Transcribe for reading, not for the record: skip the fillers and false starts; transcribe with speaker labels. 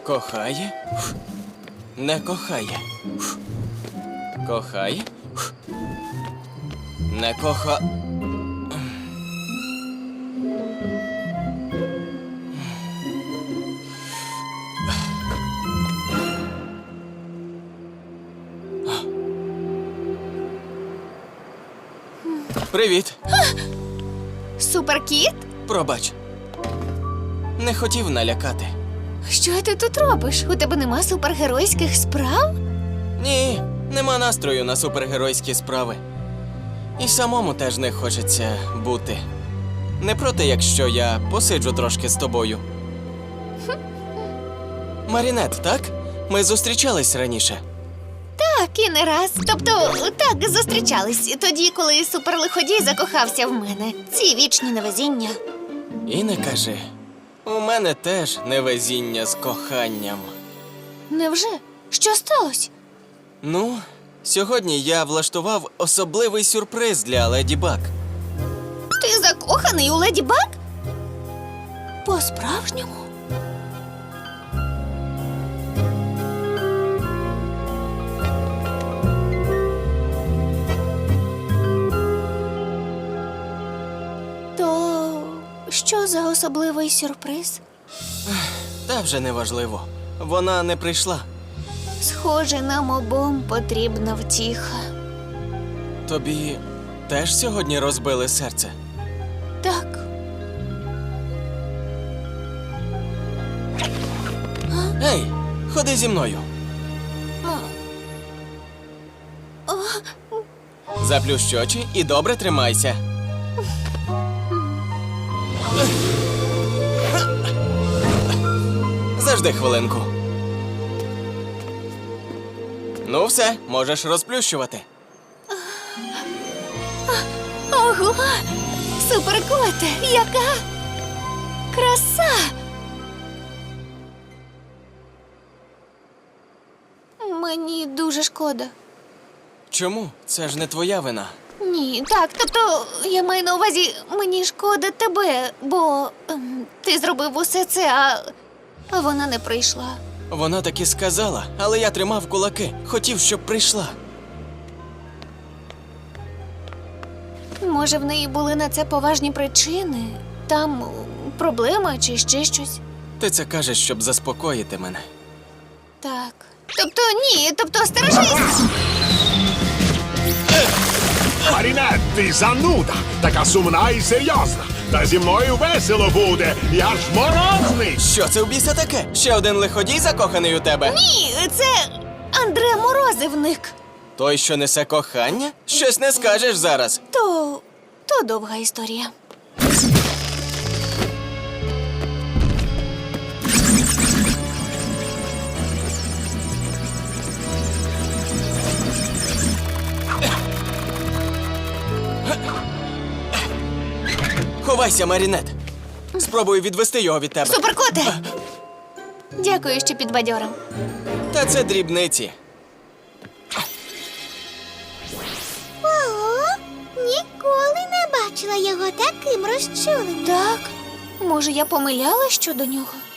Speaker 1: Кохає? Не кохає. Кохає? Не коха... Привіт.
Speaker 2: Суперкіт?
Speaker 1: Пробач. Не хотів налякати.
Speaker 2: Що ти тут робиш? У тебе нема супергеройських справ?
Speaker 1: Ні, нема настрою на супергеройські справи. І самому теж не хочеться бути. Не проти, якщо я посиджу трошки з тобою. Марінет, так? Ми зустрічались раніше.
Speaker 2: Так, і не раз. Тобто, так, зустрічались. Тоді, коли суперлиходій закохався в мене. Ці вічні невезіння.
Speaker 1: І не кажи. У мене теж невезіння з коханням.
Speaker 2: Невже? Що сталося?
Speaker 1: Ну, сьогодні я влаштував особливий сюрприз для Леді Баг.
Speaker 2: Ти закоханий у Леді Баг? По-справжньому? То що за особливий сюрприз?
Speaker 1: Та вже не важливо. Вона не прийшла.
Speaker 2: Схоже, нам обом потрібна втіха.
Speaker 1: Тобі теж сьогодні розбили серце?
Speaker 2: Так.
Speaker 1: Ей, ходи зі мною. Заплющ очі і добре тримайся. Завжди хвилинку. Ну все, можеш розплющувати.
Speaker 2: Ого! Суперкоте! Яка краса! Мені дуже шкода.
Speaker 1: Чому? Це ж не твоя вина.
Speaker 2: Ні, так, тобто, я маю на увазі, мені шкода тебе, бо ти зробив усе це, а вона не прийшла.
Speaker 1: Вона таки сказала, але я тримав кулаки. Хотів, щоб прийшла.
Speaker 2: Може, в неї були на це поважні причини? Там проблема чи ще щось?
Speaker 1: Ти це кажеш, щоб заспокоїти мене.
Speaker 2: Так. Тобто ні, тобто стережись!
Speaker 3: Марінет, ти зануда, така сумна і серйозна. Та зі мною весело буде, я ж морозний.
Speaker 1: Що це в біса таке? Ще один лиходій закоханий у тебе?
Speaker 2: Ні, це Андре Морозивник.
Speaker 1: Той, що несе кохання? Щось не скажеш зараз.
Speaker 2: То довга історія.
Speaker 1: Ховайся, Марінет. Спробую відвести його від тебе.
Speaker 2: Суперкоте! Дякую, що підбадьорив.
Speaker 1: Та це дрібниці.
Speaker 4: Ого, ніколи не бачила його таким розчуленим.
Speaker 2: Так, може, я помиляла щодо нього?